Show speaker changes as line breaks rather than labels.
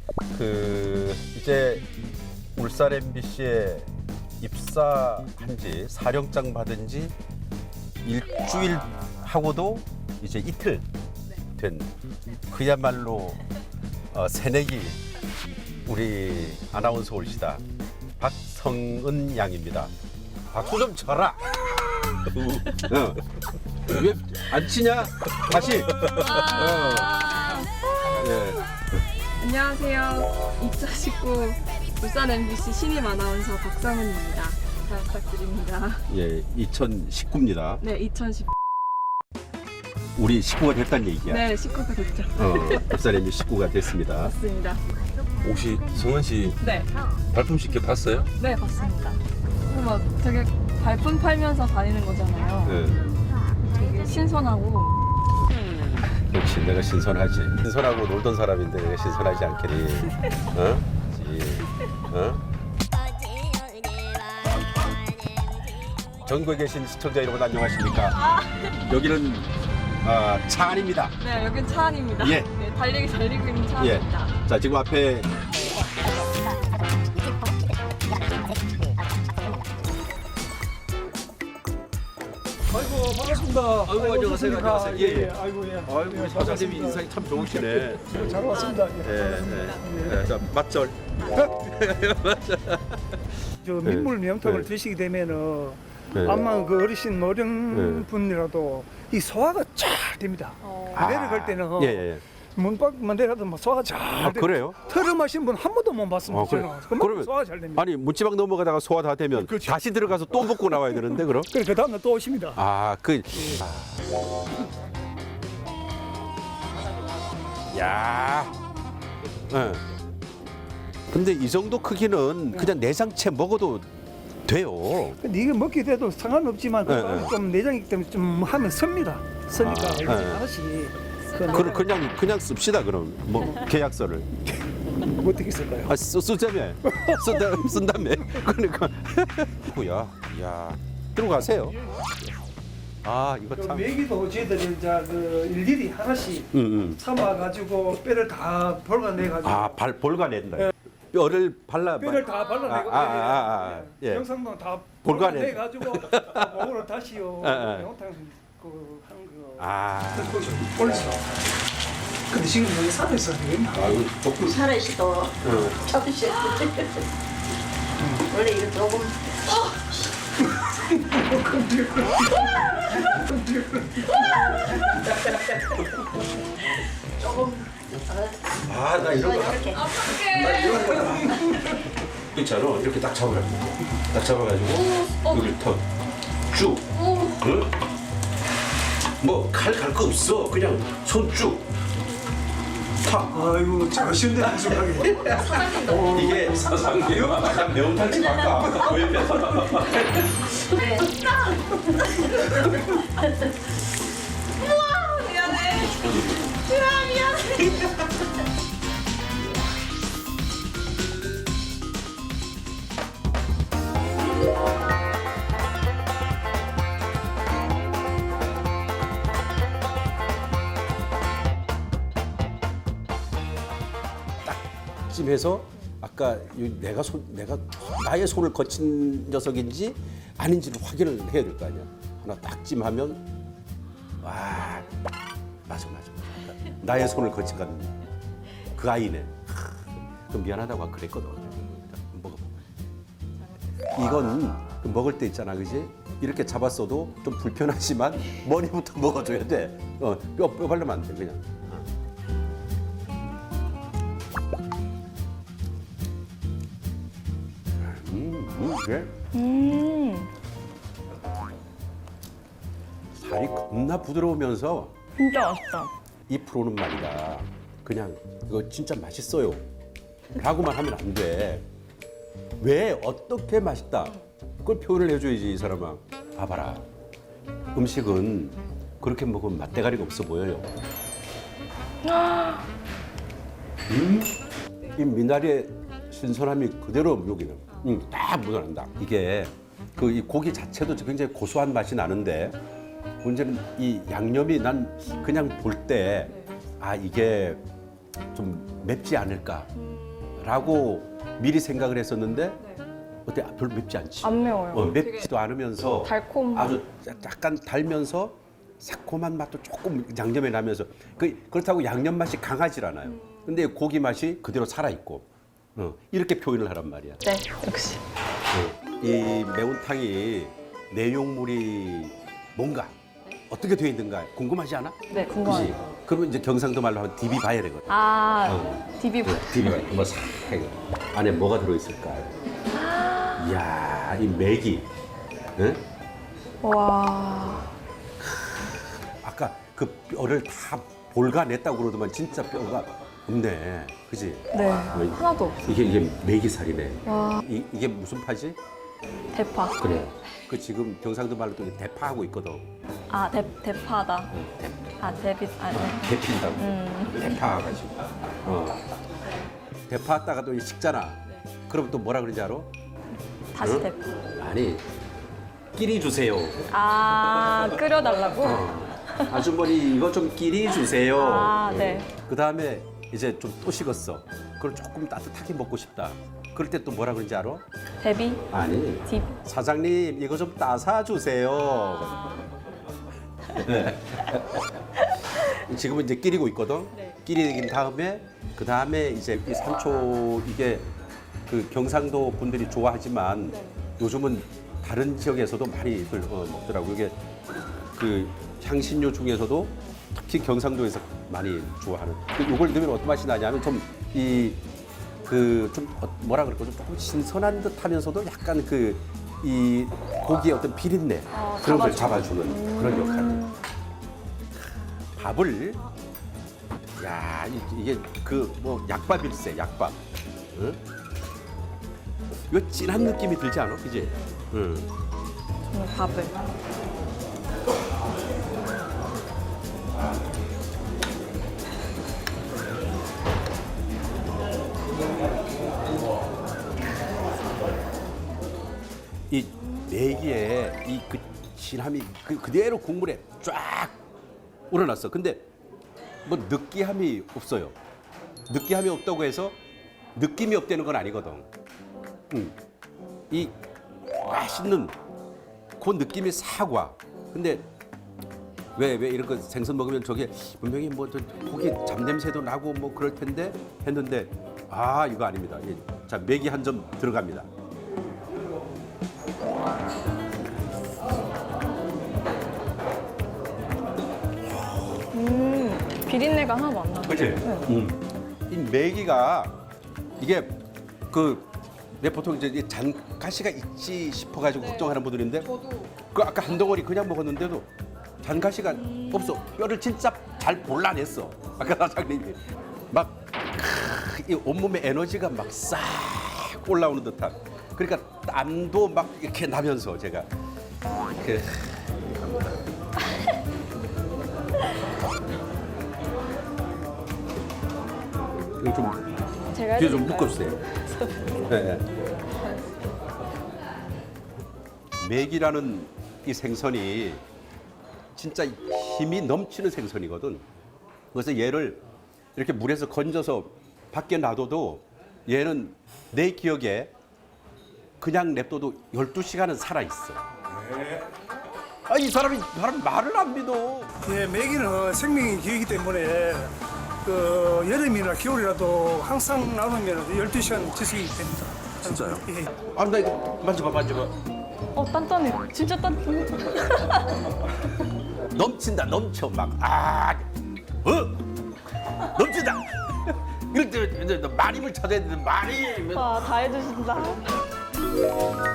이제 울산 MBC에 입사한 지 사령장 받은 지 일주일 하고도 이제 이틀 된 그야말로 새내기 우리 아나운서 올시다 박성은 양입니다. 박수 좀 쳐라. 왜 안 치냐? 다시. 네.
안녕하세요. 2019 울산 MBC 신입 아나운서 박성은입니다. 잘 부탁드립니다.
예, 2019입니다.
네, 2019.
우리 식구가 됐다는 얘기야.
네, 19가 됐죠.
울산 MBC 식구가 됐습니다.
맞습니다.
혹시 성은 씨
네,
발품식 회 봤어요?
네, 봤습니다. 그리고 막 되게 발품 팔면서 다니는 거잖아요.
네.
되게 신선하고.
역시 내가 신선하지. 신선하고 놀던 사람인데 내가 신선하지 않겠니? 어? 어? 전국에 계신 시청자 여러분 안녕하십니까? 여기는 차 안입니다.
네, 여긴 차 안입니다.
예.
네, 달리고 있는 차
예.
안입니다.
자, 지금 앞에
아이고 반갑습니다.
아이고, 안녕하세요. 안녕하세요. 예, 예.
아이고 예.
아이고 사장님이 인상이 참 좋으시네.
잘 왔습니다.
예, 예. 자, 맞절.
저 민물 명탕을 드시게 되면은
네.
암만 그 어르신 노령 분이라도 이 소화가 잘 됩니다. 내려갈 때는
예, 예.
문밖만 내려도 막 소화가 잘 돼요.
그래요?
털어 마신 분 한 번도 못 봤습니다.
그래.
저는. 그만큼 소화가 잘 됩니다.
아니 문지방 넘어가다가 소화 다 되면
그렇죠.
다시 들어가서 또 먹고 나와야 되는데 그럼?
그래 그 다음날 또 오십니다.
야. 예. 근데 이 정도 크기는 그냥 내장채 먹어도 돼요.
근데 이게 먹게 돼도 상관없지만 그
네,
안에
네.
좀 내장이기 때문에 좀 하면 섭니다. 서니까
네.
하나씩
그냥 씁시다 그럼 뭐 계약서를
어떻게 쓸까요?
쓰자며 쓴다며 그러니까 뭐야 야 들어가세요. 이거
그
참
메기도 저희들이 이제 그 일일이 하나씩 참아가지고 뼈를 다 볼가내가지고
발 볼가낸다. 뼈를 발라
뼈를 다 발라내고
예.
영상도 다
볼가내.
볼가내가지고 먹으러 다시요 영탕 그 하는 거 올리죠. 근데 지금 여기 살아있어야 되겠나?
아이고 볶음
살아있어도 잡으셔야 돼. 원래 이거 조금 조금
나 이런 거
이렇게
있잖아. 이렇게 딱 잡아가지고 여기를 턱쭉 응? 뭐칼 갈 거 없어. 그냥 손쭉 탁.
아이고 제가 쉬운데 무슨 하게
이게 사상이에요? 가장 매운탕집 아까 왜 뺐어? 찜해서 아까 내가 나의 손을 거친 녀석인지 아닌지를 확인을 해야 될 거 아니야. 하나 딱 찜하면 맞아. 나의 손을 거친 그 아이네. 그 미안하다고 아까 그랬거든. 먹어봐. 이건 그 먹을 때 있잖아, 그지? 이렇게 잡았어도 좀 불편하지만 머리부터 먹어줘야 돼. 뼈 바르면 안 돼, 그냥. 그래? 살이 겁나 부드러우면서
진짜 맛있다.
2%는 말이다. 그냥 이거 진짜 맛있어요. 라고만 하면 안 돼. 왜 어떻게 맛있다. 그걸 표현을 해줘야지 이 사람아. 봐봐라. 음식은 그렇게 먹으면 맛대가리가 없어 보여요. 이 미나리의 신선함이 그대로 여기는 딱 묻어난다. 이게 그 이 고기 자체도 굉장히 고소한 맛이 나는데 문제는 이 양념이 난 그냥 볼 때 이게 좀 맵지 않을까라고 미리 생각을 했었는데 어때? 별로 맵지 않지?
안 매워요.
맵지도 않으면서
달콤.
아주 약간 달면서 새콤한 맛도 조금 양념에 나면서 그렇다고 양념 맛이 강하질 않아요. 근데 고기 맛이 그대로 살아 있고 이렇게 표현을 하란 말이야.
네, 역시.
이 매운탕이 내용물이 뭔가 어떻게 되어 있는가 궁금하지 않아?
네,
그지?
궁금해요.
그러면 이제 경상도 말로 하면 디비 봐야 되거든.
아, 디비.
디비 봐야 돼. 뭐싹 안에 뭐가 들어있을까? 이야, 이 맥이. 응?
와.
아까 그 뼈를 다 볼가냈다고 그러더만 진짜 뼈가 없네. 그지?
네, 하나도 없어.
이게 메기살이네.
와.
이게 무슨 파지?
대파.
그래. 그 지금 경상도 말로 또 대파하고 있거든.
아, 대파다. 아, 네.
대핀다고. 대파 가지고. 대파 했다가 또 식잖아. 그럼 또 뭐라 그러지 알아?
다시
응?
대파.
아니, 끼리 주세요.
아, 끓여달라고?
아주머니 이거 좀 끼리 주세요.
아, 네.
그 다음에 이제 좀 또 식었어. 그걸 조금 따뜻하게 먹고 싶다. 그럴 때 또 뭐라 그러는지 알아?
데비?
아니.
딥.
사장님 이거 좀 따사 주세요. 네. 지금은 이제 끼리고 있거든.
네.
끼리긴 다음에 그 다음에 이제 이 산초 이게 그 경상도 분들이 좋아하지만 요즘은 다른 지역에서도 많이들 먹더라고. 이게 그 향신료 중에서도 특히 경상도에서 많이 좋아하는. 이걸 넣으면 어떤 맛이 나냐면 좀 이 그 좀 뭐라 그럴까 좀 조금 신선한 듯하면서도 약간 그 이 고기의 어떤 비린내 그런 걸 잡아주는 그런 역할. 밥을 야 이게 그 뭐 약밥일세 약밥. 응? 이거 진한 느낌이 들지 않아? 그지? 응.
저는 밥을.
이 내기에 이 그 진함이 그대로 국물에 쫙 우러났어. 근데 뭐 느끼함이 없어요. 느끼함이 없다고 해서 느낌이 없다는 건 아니거든. 이 맛있는 그 느낌이 사과. 근데 왜 이런 거 생선 먹으면 저게 분명히 뭐 저 고기 잡냄새도 나고 뭐 그럴 텐데 했는데 아 이거 아닙니다. 자 맥이 한 점 들어갑니다.
비린내가 하나도 안 나.
그치? 이 메기가 이게 내 보통 이제 이 잔가시가 있지 싶어가지고 걱정하는 분들인데 그 아까 한 덩어리 그냥 먹었는데도 잔가시가 없어. 뼈를 진짜 잘 골라냈어. 아까 사장님이 막 이 온몸에 에너지가 막 싹 올라오는 듯한. 그러니까 땀도 막 이렇게 나면서 제가 이렇게 이거 좀
제가
뒤에 좀
해드릴까요?
묶어주세요. 네. 맥이라는 이 생선이 진짜 힘이 넘치는 생선이거든. 그래서 얘를 이렇게 물에서 건져서 밖에 놔둬도 얘는 내 기억에 그냥 냅둬도 12시간은 살아있어. 아, 이 사람 말을 안 믿어.
예, 메기는 생명이 기이기 때문에 그 여름이나 겨울이라도 항상 나오면 12시간 지속이 됩니다.
진짜요?
예.
아, 나 이거 만져봐.
단단해. 진짜 단단해.
넘친다, 넘쳐 막. 넘친다. 이럴 때 많이 찾아야 되는데 많이.
와, 다 해주신다.